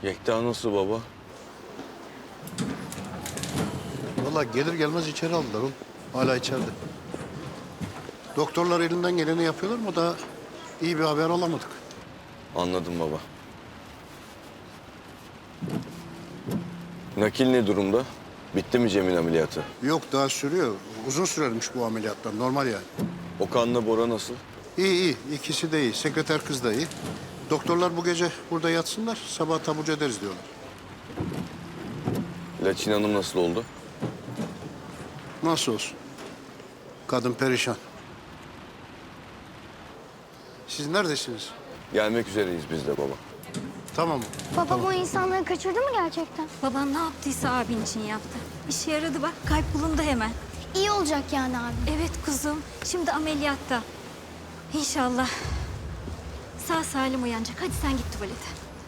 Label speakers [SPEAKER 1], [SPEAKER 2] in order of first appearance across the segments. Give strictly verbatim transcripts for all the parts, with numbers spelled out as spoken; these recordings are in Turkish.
[SPEAKER 1] Yekta nasıl baba?
[SPEAKER 2] Vallahi gelir gelmez içeri aldılar oğlum. Hala içeride. Doktorlar elinden geleni yapıyorlar ama daha iyi bir haber alamadık.
[SPEAKER 1] Anladım baba. Nakil ne durumda? Bitti mi Cem'in ameliyatı?
[SPEAKER 2] Yok daha sürüyor. Uzun sürermiş bu ameliyatlar. Normal yani.
[SPEAKER 1] Okan'la Bora nasıl?
[SPEAKER 2] İyi iyi. İkisi de iyi. Sekreter kız da iyi. Doktorlar bu gece burada yatsınlar. Sabah taburcu ederiz diyorlar.
[SPEAKER 1] Laçin Hanım nasıl oldu?
[SPEAKER 2] Nasıl olsun? Kadın perişan. Siz neredesiniz?
[SPEAKER 1] Gelmek üzereyiz biz de baba.
[SPEAKER 2] Tamam.
[SPEAKER 3] Babam o insanları kaçırdı mı gerçekten?
[SPEAKER 4] Baban ne yaptıysa abin için yaptı. İşe yaradı bak, kalp bulundu hemen.
[SPEAKER 3] İyi olacak yani abi.
[SPEAKER 4] Evet kuzum, şimdi ameliyatta. İnşallah sağ salim uyanacak. Hadi sen git tuvalete.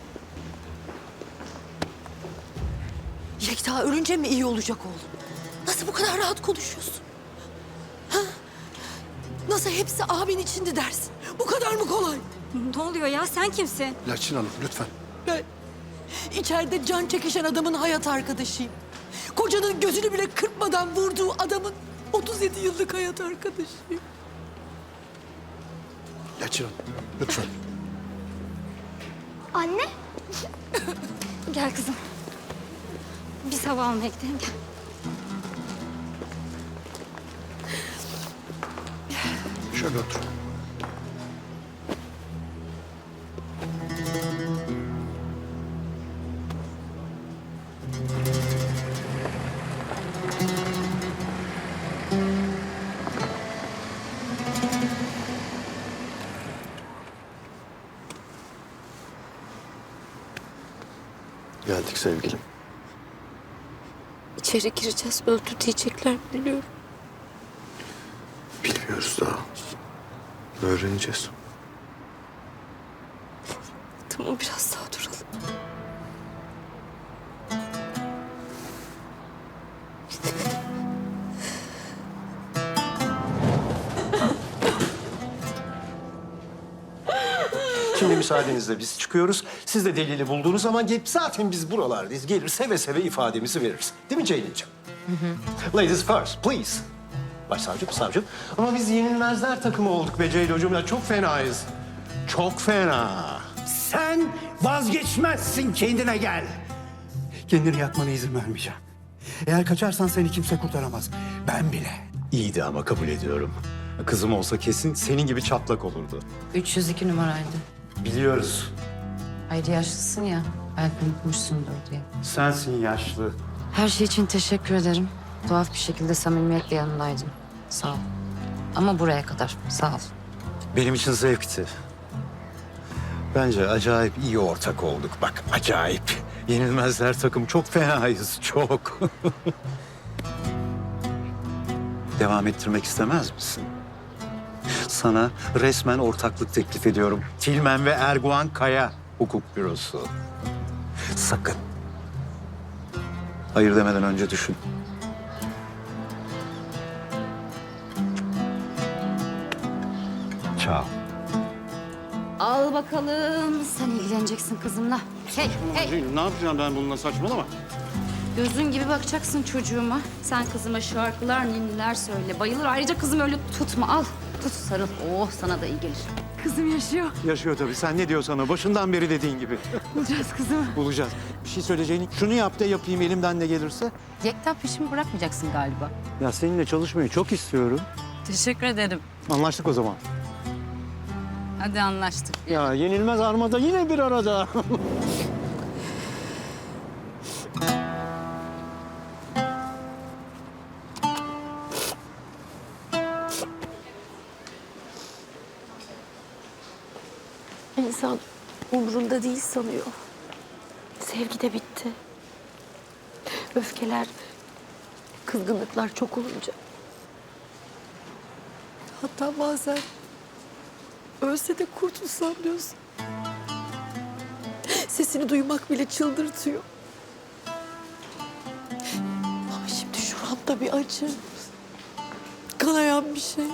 [SPEAKER 5] Yekta ölünce mi iyi olacak oğlum? Nasıl bu kadar rahat konuşuyorsun? Ha? Nasıl hepsi abin içindi dersin? Bu kadar mı kolay?
[SPEAKER 4] Ne oluyor ya, sen kimsin?
[SPEAKER 2] Laçin Hanım lütfen.
[SPEAKER 5] Ben içeride can çekişen adamın hayat arkadaşıyım. Kocanın gözünü bile kırpmadan vurduğu adamın otuz yedi yıllık hayat arkadaşıyım.
[SPEAKER 2] Laçin Hanım lütfen.
[SPEAKER 3] Anne?
[SPEAKER 4] Gel kızım. Biz hava almaya gidelim, gel.
[SPEAKER 2] Şöyle otur.
[SPEAKER 1] Geldik sevgilim.
[SPEAKER 5] İçeri gireceğiz, öldü diyecekler biliyorum.
[SPEAKER 1] Bilmiyoruz daha. Öğreneceğiz.
[SPEAKER 5] Tamam biraz daha duralım.
[SPEAKER 6] Şimdi müsaadenizle biz çıkıyoruz. Siz de delili bulduğunuz zaman gelip zaten biz buralardayız. Gelir seve seve ifademizi veririz. Değil mi Ceylin'ciğim? Ladies first, please. Başsavcım, savcım. Ama biz yenilmezler takımı olduk be Ceylin'cim. Ya çok fenayız. Çok fena.
[SPEAKER 7] Sen vazgeçmezsin, kendine gel. Kendini yakmana izin vermeyeceğim. Eğer kaçarsan seni kimse kurtaramaz. Ben bile.
[SPEAKER 6] İyiydi ama kabul ediyorum. Kızım olsa kesin senin gibi çatlak olurdu.
[SPEAKER 8] üç yüz iki numaraydı.
[SPEAKER 6] Biliyoruz.
[SPEAKER 8] Hayır yaşlısın ya. Belki unutmuşsundur diye.
[SPEAKER 6] Sensin yaşlı.
[SPEAKER 8] Her şey için teşekkür ederim. Tuhaf bir şekilde samimiyetle yanındaydın. Sağ ol. Ama buraya kadar. Sağ ol.
[SPEAKER 6] Benim için zevkti. Bence acayip iyi ortak olduk. Bak acayip. Yenilmezler takım çok fenayız, çok. Devam ettirmek istemez misin? Sana resmen ortaklık teklif ediyorum. Tilmen ve Erguvan Kaya Hukuk Bürosu. Sakın. Hayır demeden önce düşün. Ciao.
[SPEAKER 8] Al bakalım. Sen ilgileneceksin kızımla. Hey, hey.
[SPEAKER 7] Ne yapacağım ben bununla, saçmalama.
[SPEAKER 8] Gözün gibi bakacaksın çocuğuma. Sen kızıma şarkılar, ninniler söyle. Bayılır. Ayrıca kızım öyle tutma. Al. Tut, sarıl. Oh, sana da iyi gelir.
[SPEAKER 4] Kızım yaşıyor.
[SPEAKER 6] Yaşıyor tabii. Sen ne diyorsan o. Başından beri dediğin gibi.
[SPEAKER 4] Bulacağız kızımı.
[SPEAKER 6] Bulacağız. Bir şey söyleyeceğini şunu yap da yapayım elimden ne gelirse.
[SPEAKER 8] Yekta peşimi bırakmayacaksın galiba.
[SPEAKER 6] Ya seninle çalışmayı çok istiyorum.
[SPEAKER 8] Teşekkür ederim.
[SPEAKER 6] Anlaştık o zaman.
[SPEAKER 8] Hadi anlaştık.
[SPEAKER 6] Ya yenilmez armada yine bir arada.
[SPEAKER 5] İnsan umrunda değil sanıyor. Sevgi de bitti. Öfkeler, kızgınlıklar çok olunca. Hatta bazen ölse de kurtulsam diyorsun. Sesini duymak bile çıldırtıyor. Ama şimdi şuramda bir acı. Kanayan bir şey.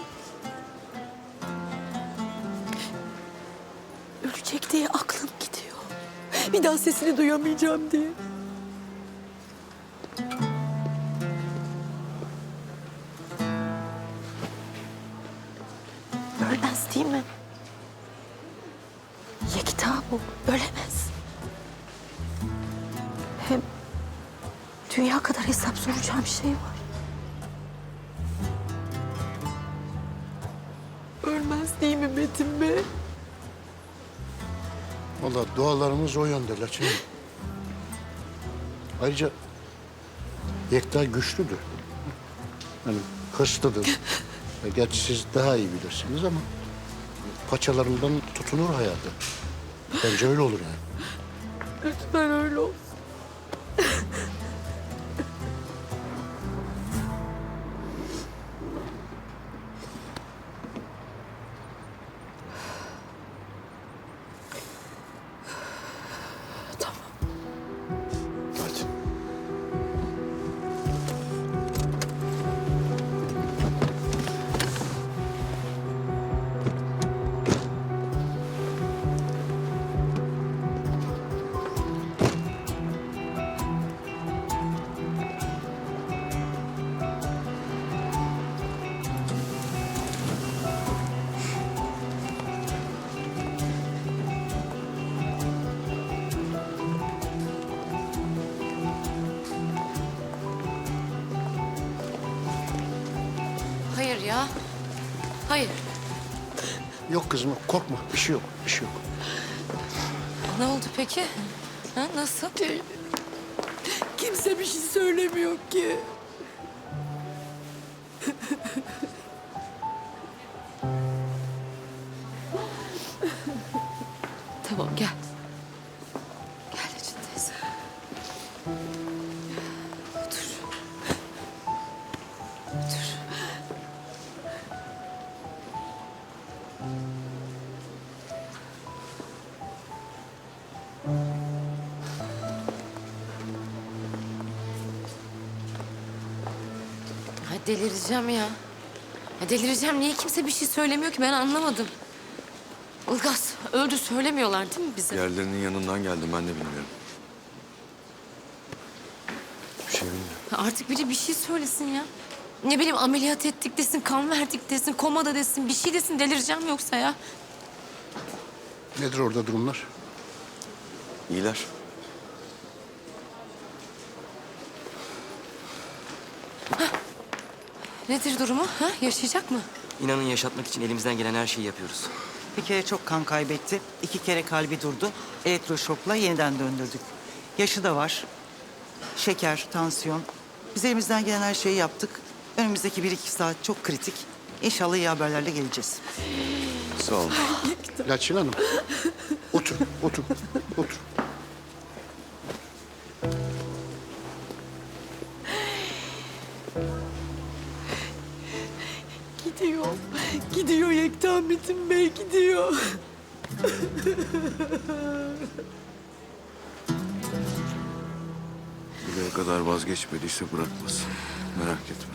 [SPEAKER 5] Ölecek diye aklım gidiyor. Bir daha sesini duyamayacağım diye. Ölmez değil mi? Yekta bu, ölemez. Hem dünya kadar hesap soracağım şey var. Ölmez değil mi Metin Bey?
[SPEAKER 2] Vallahi dualarımız o yönde Laçin. Ayrıca Yekta güçlüdür. Yani hırslıdır. E, Gerçi siz daha iyi bilirsiniz ama paçalarından tutunur hayatı. Bence öyle olur yani.
[SPEAKER 5] Lütfen öyle olsun.
[SPEAKER 1] Hadi.
[SPEAKER 9] Hayır ya. Hayır.
[SPEAKER 2] Yok kızım korkma bir şey yok bir şey yok.
[SPEAKER 9] Ne oldu peki? Ha, nasıl?
[SPEAKER 5] Kimse bir şey söylemiyor ki.
[SPEAKER 9] Tamam gel. Gel Ecin teyze. Otur. Otur. Ha, delireceğim ya. Ha, delireceğim. Niye kimse bir şey söylemiyor ki ben anlamadım. Ilgaz öldü söylemiyorlar değil mi bize?
[SPEAKER 1] Yerlerinin yanından geldim ben de bilmiyorum. Bir şey bilmiyorum.
[SPEAKER 9] Ha, artık biri bir şey söylesin ya. Ne bileyim ameliyat ettik desin, kan verdik desin, komada desin, bir şey desin delireceğim yoksa ya.
[SPEAKER 2] Nedir orada durumlar?
[SPEAKER 1] İyiler.
[SPEAKER 9] Nedir durumu? Ha? Yaşayacak mı?
[SPEAKER 10] İnanın yaşatmak için elimizden gelen her şeyi yapıyoruz.
[SPEAKER 11] Bir kere çok kan kaybetti. İki kere kalbi durdu. Elektroşokla yeniden döndürdük. Yaşı da var. Şeker, tansiyon. Biz elimizden gelen her şeyi yaptık. Önümüzdeki bir iki saat çok kritik. İnşallah iyi haberlerle geleceğiz.
[SPEAKER 1] Sağ olun.
[SPEAKER 2] Laçin Hanım otur otur otur.
[SPEAKER 5] Gidiyor. Gidiyor Yekta Metin Bey gidiyor.
[SPEAKER 1] Buraya kadar vazgeçmediyse bırakmaz. Merak etme.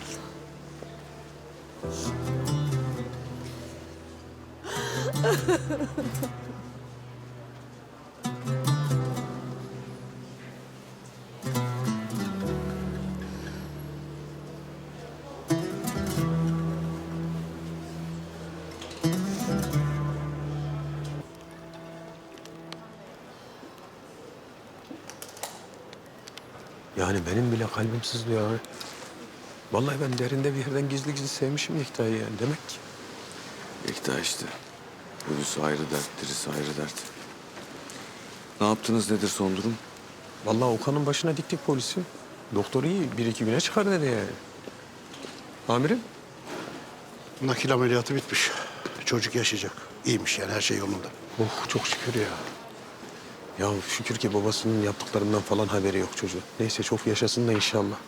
[SPEAKER 12] Yani benim bile kalbim sızlıyor abi. Vallahi ben derinde bir yerden gizli gizli sevmişim Yekta'yı yani demek ki.
[SPEAKER 1] Yekta işte. Ölüsü ayrı dert, dirisi ayrı dert. Ne yaptınız nedir son durum?
[SPEAKER 12] Vallahi Okan'ın başına diktik polisi. Doktor iyi bir iki güne çıkar dedi yani. Amirim?
[SPEAKER 2] Nakil ameliyatı bitmiş. Çocuk yaşayacak. İyiymiş yani her şey yolunda.
[SPEAKER 12] Oh çok şükür ya. Ya şükür ki babasının yaptıklarından falan haberi yok çocuğun. Neyse çok yaşasın da inşallah.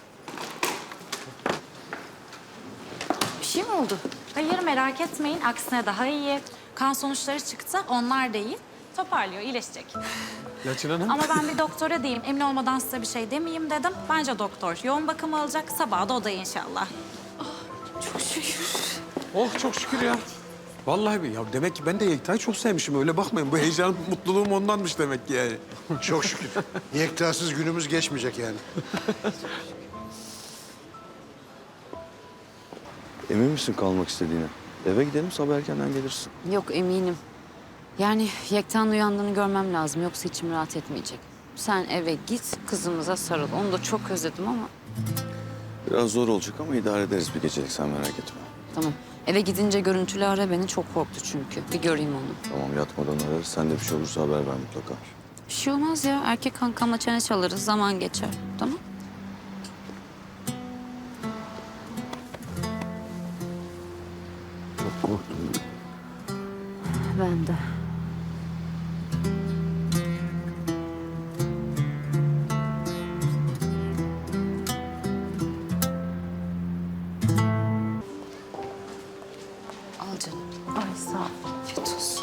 [SPEAKER 8] Bir şey mi oldu? Hayır merak etmeyin. Aksine daha iyi. Kan sonuçları çıktı. Onlar da iyi. Toparlıyor, iyileşecek.
[SPEAKER 12] Laçin Hanım.
[SPEAKER 8] Ama ben bir doktora diyeyim. Emin olmadan size bir şey demeyeyim dedim. Bence doktor yoğun bakım alacak. Sabah da odaya inşallah.
[SPEAKER 9] Çok şükür.
[SPEAKER 12] Oh çok şükür ya. Vallahi bir ya demek ki ben de Yekta'yı çok sevmişim. Öyle bakmayın. Bu heyecan, mutluluğum ondanmış demek ki yani.
[SPEAKER 2] Çok şükür. Yektasız günümüz geçmeyecek yani.
[SPEAKER 1] Emin misin kalmak istediğine? Eve gidelim, sabah erkenden gelirsin.
[SPEAKER 8] Yok eminim. Yani Yekta'nın uyandığını görmem lazım. Yoksa içim rahat etmeyecek. Sen eve git, kızımıza sarıl. Onu da çok özledim ama.
[SPEAKER 1] Biraz zor olacak ama idare ederiz bir gecelik, sen merak etme.
[SPEAKER 8] Tamam. Eve gidince görüntülü ara beni. Çok korktu çünkü. Bir göreyim onu.
[SPEAKER 1] Tamam, yatmadan ararız. Sen de bir şey olursa haber ver mutlaka.
[SPEAKER 8] Bir şey olmaz ya. Erkek kankamla çene çalarız. Zaman geçer. Tamam.
[SPEAKER 1] Çok korktum.
[SPEAKER 8] Ben de. Al canım. Ay sağ ol. Afiyet olsun.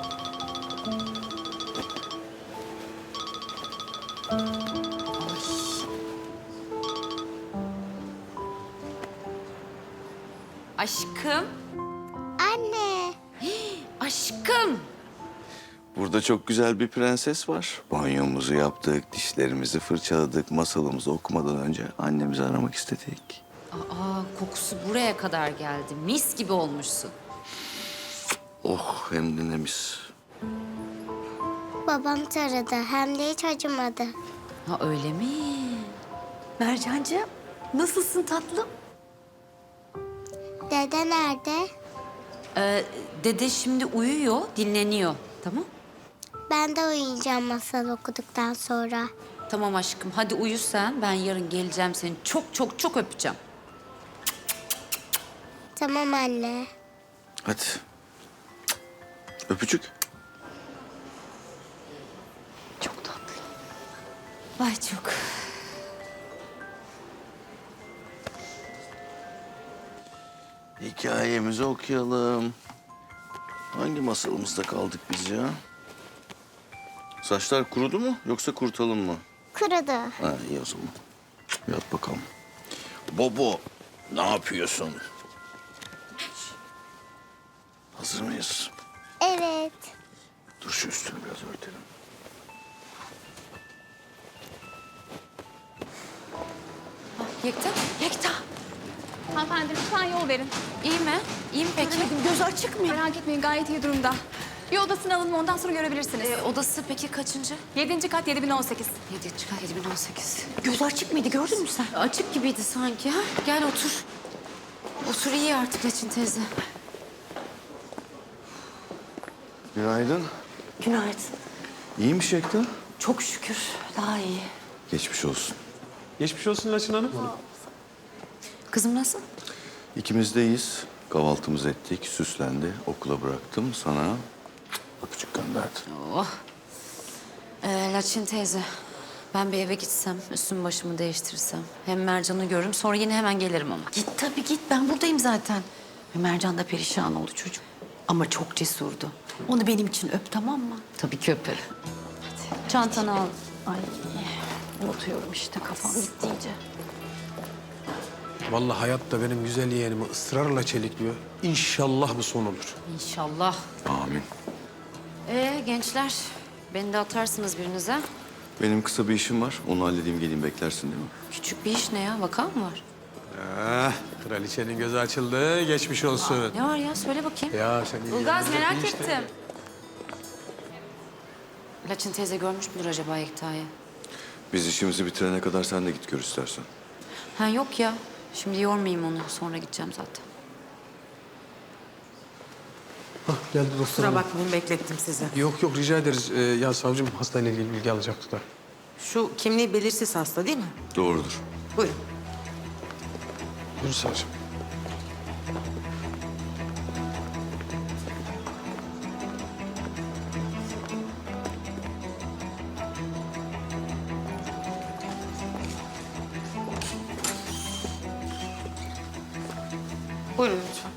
[SPEAKER 8] Aşkım.
[SPEAKER 3] Anne.
[SPEAKER 8] Aşkım.
[SPEAKER 1] Burada çok güzel bir prenses var. Banyomuzu yaptık, dişlerimizi fırçaladık, masalımızı okumadan önce annemizi aramak istedik.
[SPEAKER 8] Aa, kokusu buraya kadar geldi. Mis gibi olmuşsun.
[SPEAKER 1] Oh, hem de ne mis.
[SPEAKER 3] Babam taradı hem de hiç acımadı.
[SPEAKER 8] Ha öyle mi?
[SPEAKER 5] Mercancığım, nasılsın tatlım?
[SPEAKER 3] Dede nerede?
[SPEAKER 8] Ee, dede şimdi uyuyor, dinleniyor. Tamam?
[SPEAKER 3] Ben de uyuyacağım masal okuduktan sonra.
[SPEAKER 8] Tamam aşkım. Hadi uyu sen. Ben yarın geleceğim seni. Çok çok çok öpeceğim.
[SPEAKER 3] Tamam anne.
[SPEAKER 1] Hadi. Öpücük.
[SPEAKER 8] Çok tatlı. Ay çok.
[SPEAKER 1] Hikayemizi okuyalım. Hangi masalımızda kaldık biz ya? Saçlar kurudu mu yoksa kurtalım mı?
[SPEAKER 3] Kurudu.
[SPEAKER 1] Ha, iyi o zaman. Yat bakalım. Bobo, ne yapıyorsun? Hazır mıyız?
[SPEAKER 3] Evet.
[SPEAKER 1] Dur şu üstünü biraz örtelim.
[SPEAKER 8] Yekta.
[SPEAKER 5] Yekta.
[SPEAKER 13] Hanımefendi lütfen yol verin.
[SPEAKER 8] İyi mi? İyi mi peki?
[SPEAKER 5] Göremedim, gözü açık mı?
[SPEAKER 13] Merak etmeyin gayet iyi durumda. Bir odasını alın ondan sonra görebilirsiniz.
[SPEAKER 8] Ee, odası peki kaçıncı?
[SPEAKER 13] Yedinci kat yedi bin on sekiz.
[SPEAKER 8] Yedi çıkar yedi bin on sekiz.
[SPEAKER 5] Gözü açık mıydı, gördün mü sen?
[SPEAKER 8] Açık gibiydi sanki. Ha? Gel otur. Otur iyi artık Leçin teyze.
[SPEAKER 1] Günaydın.
[SPEAKER 5] Günaydın.
[SPEAKER 1] İyiymiş Yekta.
[SPEAKER 5] Çok şükür, daha iyi.
[SPEAKER 1] Geçmiş olsun.
[SPEAKER 12] Geçmiş olsun Laçın Hanım.
[SPEAKER 8] Kızım nasıl?
[SPEAKER 1] İkimiz de iyiyiz. Kahvaltımızı ettik, süslendi. Okula bıraktım. Sana öpücük gönderdim.
[SPEAKER 8] Oh. Ee, Laçin teyze. Ben bir eve gitsem, üstüm başımı değiştirsem. Hem Mercan'ı görürüm, sonra yine hemen gelirim ama.
[SPEAKER 5] Git tabii git, ben buradayım zaten. Ve Mercan da perişan oldu çocuk. Ama çok cesurdu. Onu benim için öp, tamam mı?
[SPEAKER 8] Tabii ki öperim. Çantanı al.
[SPEAKER 5] Ay, unutuyorum işte, kafam gitti iyice.
[SPEAKER 12] Vallahi hayat da benim güzel yeğenimi ısrarla çelikliyor. İnşallah bu son olur.
[SPEAKER 8] İnşallah.
[SPEAKER 1] Amin.
[SPEAKER 8] Ee gençler, beni de atarsınız birinize.
[SPEAKER 1] Benim kısa bir işim var. Onu halledeyim, geleyim, beklersin değil mi?
[SPEAKER 8] Küçük bir iş ne ya? Vaka mı var?
[SPEAKER 12] Ah, kraliçenin gözü açıldı. Geçmiş olsun.
[SPEAKER 8] Ne var ya? Söyle bakayım.
[SPEAKER 12] Ya sen iyi
[SPEAKER 8] Ilgaz
[SPEAKER 12] yerinde
[SPEAKER 8] merak
[SPEAKER 12] bir işte.
[SPEAKER 8] ettim. Laçin teyze görmüş müdür acaba Yekta'yı?
[SPEAKER 1] Biz işimizi bitirene kadar sen de git gör istersen.
[SPEAKER 8] Ha yok ya. Şimdi yormayayım onu. Sonra gideceğim zaten.
[SPEAKER 12] Geldi dostlarım.
[SPEAKER 11] Kusura bakmayın beklettim sizi.
[SPEAKER 12] Yok yok rica ederiz. Ee, ya savcım hastayla ilgili bilgi alacaktık da.
[SPEAKER 11] Şu kimliği belirsiz hasta değil mi?
[SPEAKER 1] Doğrudur.
[SPEAKER 11] Buyurun.
[SPEAKER 12] Buyur savcım.
[SPEAKER 11] Buyurun lütfen.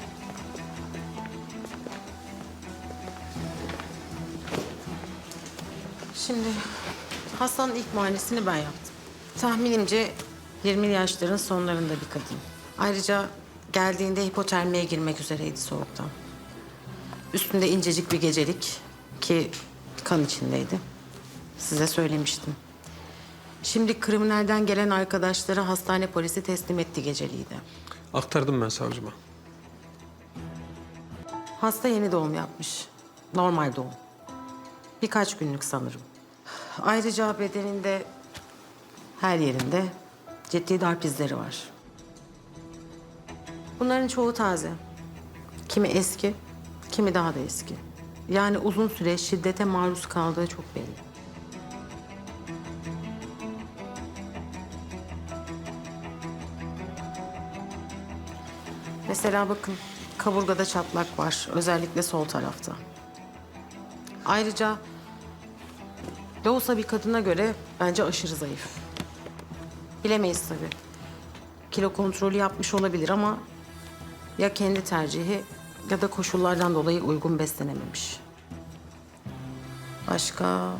[SPEAKER 11] Şimdi hastanın ilk muayenesini ben yaptım. Tahminimce yirmili yaşların sonlarında bir kadın. Ayrıca geldiğinde hipotermiye girmek üzereydi soğuktan. Üstünde incecik bir gecelik ki kan içindeydi. Size söylemiştim. Şimdi kriminalden gelen arkadaşları hastane polisi teslim etti geceliği de.
[SPEAKER 12] Aktardım ben savcıma.
[SPEAKER 11] Hasta yeni doğum yapmış. Normal doğum. Birkaç günlük sanırım. Ayrıca bedeninde her yerinde ciddi darp izleri var. Bunların çoğu taze. Kimi eski, kimi daha da eski. Yani uzun süre şiddete maruz kaldığı çok belli. Mesela bakın, kaburgada çatlak var. Özellikle sol tarafta. Ayrıca Loğusa bir kadına göre bence aşırı zayıf. Bilemeyiz tabii. Kilo kontrolü yapmış olabilir ama ya kendi tercihi ya da koşullardan dolayı uygun beslenememiş. Başka?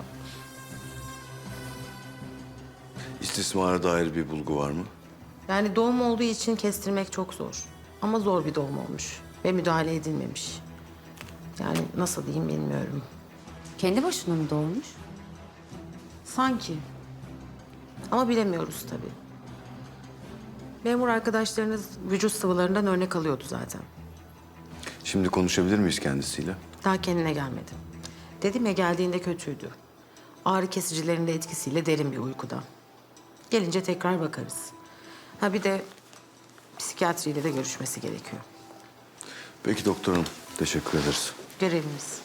[SPEAKER 1] İstismara dair bir bulgu var mı?
[SPEAKER 11] Yani doğum olduğu için kestirmek çok zor. Ama zor bir doğum olmuş ve müdahale edilmemiş. Yani nasıl diyeyim bilmiyorum.
[SPEAKER 8] Kendi başına mı doğmuş?
[SPEAKER 11] Sanki. Ama bilemiyoruz tabii. Memur arkadaşlarınız vücut sıvılarından örnek alıyordu zaten.
[SPEAKER 1] Şimdi konuşabilir miyiz kendisiyle?
[SPEAKER 11] Daha kendine gelmedi. Dedim ya geldiğinde kötüydü. Ağrı kesicilerin de etkisiyle derin bir uykuda. Gelince tekrar bakarız. Ha bir de psikiyatriyle de görüşmesi gerekiyor.
[SPEAKER 1] Peki doktorum. Teşekkür ederiz.
[SPEAKER 11] Görevimiz.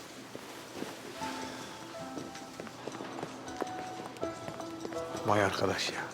[SPEAKER 12] Vay arkadaş ya.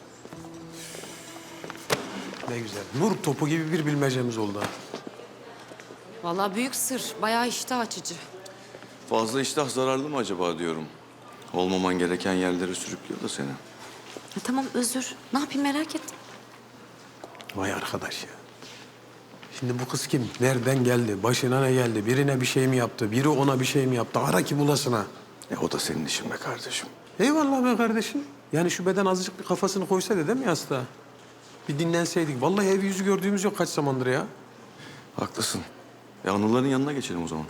[SPEAKER 12] Ne güzel. Nur topu gibi bir bilmecemiz oldu ha.
[SPEAKER 9] Vallahi büyük sır. Bayağı iştah açıcı.
[SPEAKER 1] Fazla iştah zararlı mı acaba diyorum. Olmaman gereken yerlere sürüklüyor da seni.
[SPEAKER 8] Ha, tamam özür. Ne yapayım merak ettim.
[SPEAKER 12] Vay arkadaş ya. Şimdi bu kız kim? Nereden geldi? Başına ne geldi? Birine bir şey mi yaptı? Biri ona bir şey mi yaptı? Ara ki bulasına.
[SPEAKER 1] E o da senin işin be kardeşim.
[SPEAKER 12] Eyvallah be kardeşim. Yani şu beden azıcık bir kafasını koysaydı değil mi hasta? Bir dinlenseydik. Vallahi ev yüzü gördüğümüz yok kaç zamandır ya.
[SPEAKER 1] Haklısın. E anıların yanına geçelim o zaman.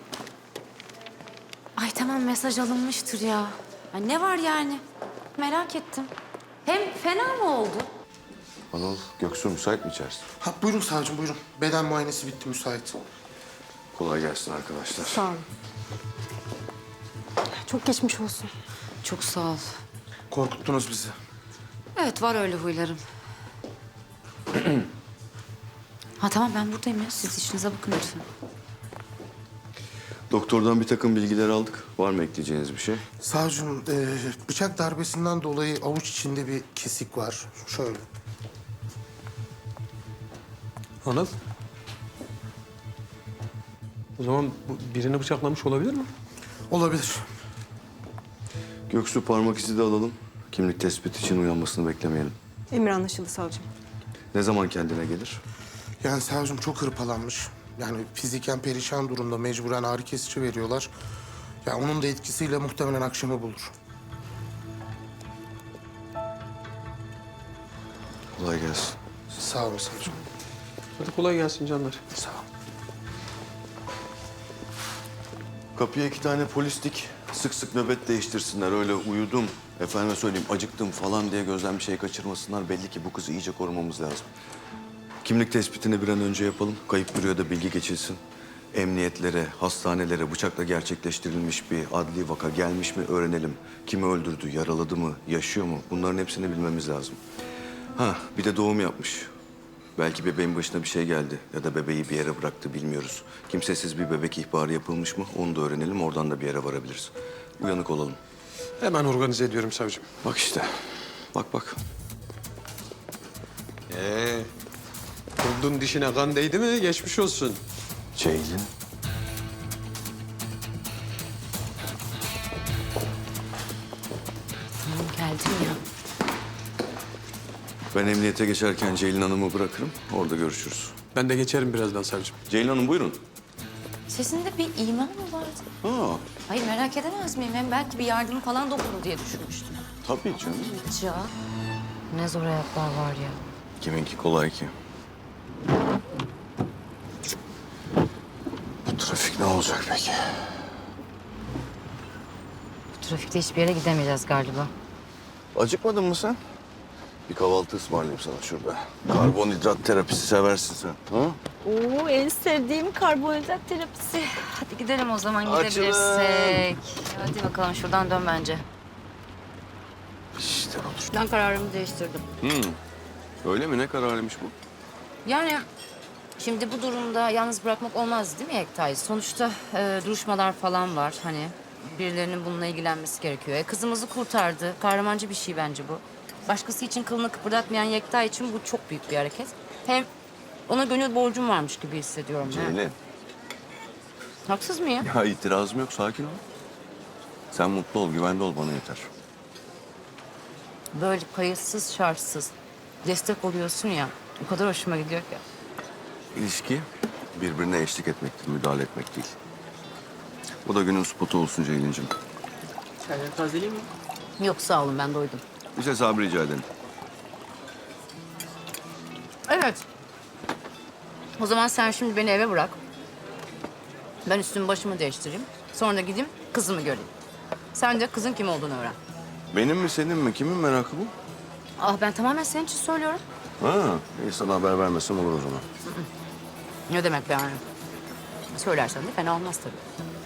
[SPEAKER 8] Ay tamam mesaj alınmıştır ya. Ay, ne var yani? Merak ettim. Hem fena mı oldu?
[SPEAKER 1] Anıl, Göksu müsait mi içerisi?
[SPEAKER 14] Ha, buyurun savcım buyurun. Beden muayenesi bitti müsait.
[SPEAKER 1] Kolay gelsin arkadaşlar.
[SPEAKER 13] Sağ olun. Çok geçmiş olsun.
[SPEAKER 9] Çok sağ ol.
[SPEAKER 14] Korkuttunuz bizi.
[SPEAKER 9] Evet var öyle huylarım.
[SPEAKER 8] Ha tamam ben buradayım ya. Siz işinize bakın lütfen.
[SPEAKER 1] Doktordan bir takım bilgiler aldık. Var mı ekleyeceğiniz bir şey?
[SPEAKER 14] Savcım e, bıçak darbesinden dolayı avuç içinde bir kesik var. Şöyle.
[SPEAKER 12] Anıl. O zaman bu birini bıçaklamış olabilir mi?
[SPEAKER 14] Olabilir.
[SPEAKER 1] Göksu parmak izi de alalım. Kimlik tespiti için uyanmasını beklemeyelim.
[SPEAKER 13] Emir anlaşıldı savcım.
[SPEAKER 1] Ne zaman kendine gelir?
[SPEAKER 14] Yani savcım çok hırpalanmış. Yani fiziken perişan durumda, mecburen ağrı kesici veriyorlar. Ya onun da etkisiyle muhtemelen akşamı bulur.
[SPEAKER 1] Kolay gelsin.
[SPEAKER 14] Sağ olun savcım.
[SPEAKER 12] Hadi kolay gelsin canlar.
[SPEAKER 14] Sağ ol.
[SPEAKER 1] Kapıya iki tane polis dik. Sık sık nöbet değiştirsinler. Öyle uyudum, efendime söyleyeyim acıktım falan diye gözden bir şey kaçırmasınlar. Belli ki bu kızı iyice korumamız lazım. Kimlik tespitini bir an önce yapalım. Kayıp büroya bilgi geçilsin. Emniyetlere, hastanelere bıçakla gerçekleştirilmiş bir adli vaka gelmiş mi öğrenelim. Kimi öldürdü, yaraladı mı, yaşıyor mu? Bunların hepsini bilmemiz lazım. Ha, bir de doğum yapmış. Belki bebeğin başına bir şey geldi ya da bebeği bir yere bıraktı bilmiyoruz. Kimsesiz bir bebek ihbarı yapılmış mı onu da öğrenelim. Oradan da bir yere varabiliriz. Uyanık olalım.
[SPEAKER 12] Hemen organize ediyorum savcım.
[SPEAKER 1] Bak işte. Bak bak.
[SPEAKER 12] Ee, kurdun dişine kan değdi mi geçmiş olsun.
[SPEAKER 1] Ceylin.
[SPEAKER 9] Tamam geldim ya.
[SPEAKER 1] Ben emniyete geçerken Ceylin Hanım'ı bırakırım. Orada görüşürüz.
[SPEAKER 12] Ben de geçerim birazdan savcım.
[SPEAKER 1] Ceylin Hanım buyurun.
[SPEAKER 9] Sesinde bir iman mı vardı?
[SPEAKER 1] Ha,
[SPEAKER 9] Hayır merak edemez miyim? Hem belki bir yardım falan dokunur diye düşünmüştüm.
[SPEAKER 1] tabii canım.
[SPEAKER 9] Ya ne zor hayatlar var ya.
[SPEAKER 1] Kiminki kolay ki. Bu trafik ne olacak? olacak peki?
[SPEAKER 8] Bu trafikte hiçbir yere gidemeyeceğiz galiba.
[SPEAKER 1] Acıkmadın mı sen? Bir kahvaltı ısmarlayayım sana şurada. Karbonhidrat terapisi seversin sen. Ha?
[SPEAKER 8] Oo, en sevdiğim karbonhidrat terapisi. Hadi gidelim o zaman
[SPEAKER 1] Açılın.
[SPEAKER 8] gidebilirsek. Hadi bakalım şuradan dön bence.
[SPEAKER 1] İşte olur.
[SPEAKER 8] Ben kararımı değiştirdim.
[SPEAKER 1] Hmm. Öyle mi? Ne kararıymış bu?
[SPEAKER 8] Yani şimdi bu durumda yalnız bırakmak olmaz değil mi Yekta'yı? Sonuçta e, duruşmalar falan var hani. Birilerinin bununla ilgilenmesi gerekiyor. E, kızımızı kurtardı. Kahramancı bir şey bence bu. Başkası için kılını kıpırdatmayan Yekta için bu çok büyük bir hareket. Hem ona gönül borcum varmış gibi hissediyorum. ha.
[SPEAKER 1] Ceylin.
[SPEAKER 8] Haksız mıyım?
[SPEAKER 1] Ya itirazım yok. Sakin ol. Sen mutlu ol, güvende ol. Bana yeter.
[SPEAKER 8] Böyle kayıtsız şartsız destek oluyorsun ya. O kadar hoşuma gidiyor ki.
[SPEAKER 1] İlişki birbirine eşlik etmektir, müdahale etmek değil. Bu da günün spotu olsun Ceylin'cim.
[SPEAKER 10] Çayları tazeleyeyim mi?
[SPEAKER 8] Yok sağ olun ben doydum.
[SPEAKER 1] Bir hesabı rica ederim.
[SPEAKER 8] Evet. O zaman sen şimdi beni eve bırak. Ben üstümü başımı değiştireyim. Sonra da gideyim kızımı göreyim. Sen de kızın kim olduğunu öğren.
[SPEAKER 1] Benim mi senin mi? Kimin merakı bu?
[SPEAKER 8] Ah ben tamamen senin için söylüyorum.
[SPEAKER 1] Ha, iyi sana haber vermesem olur o zaman.
[SPEAKER 8] Ne demek be yani? Söylersen de fena olmaz tabii.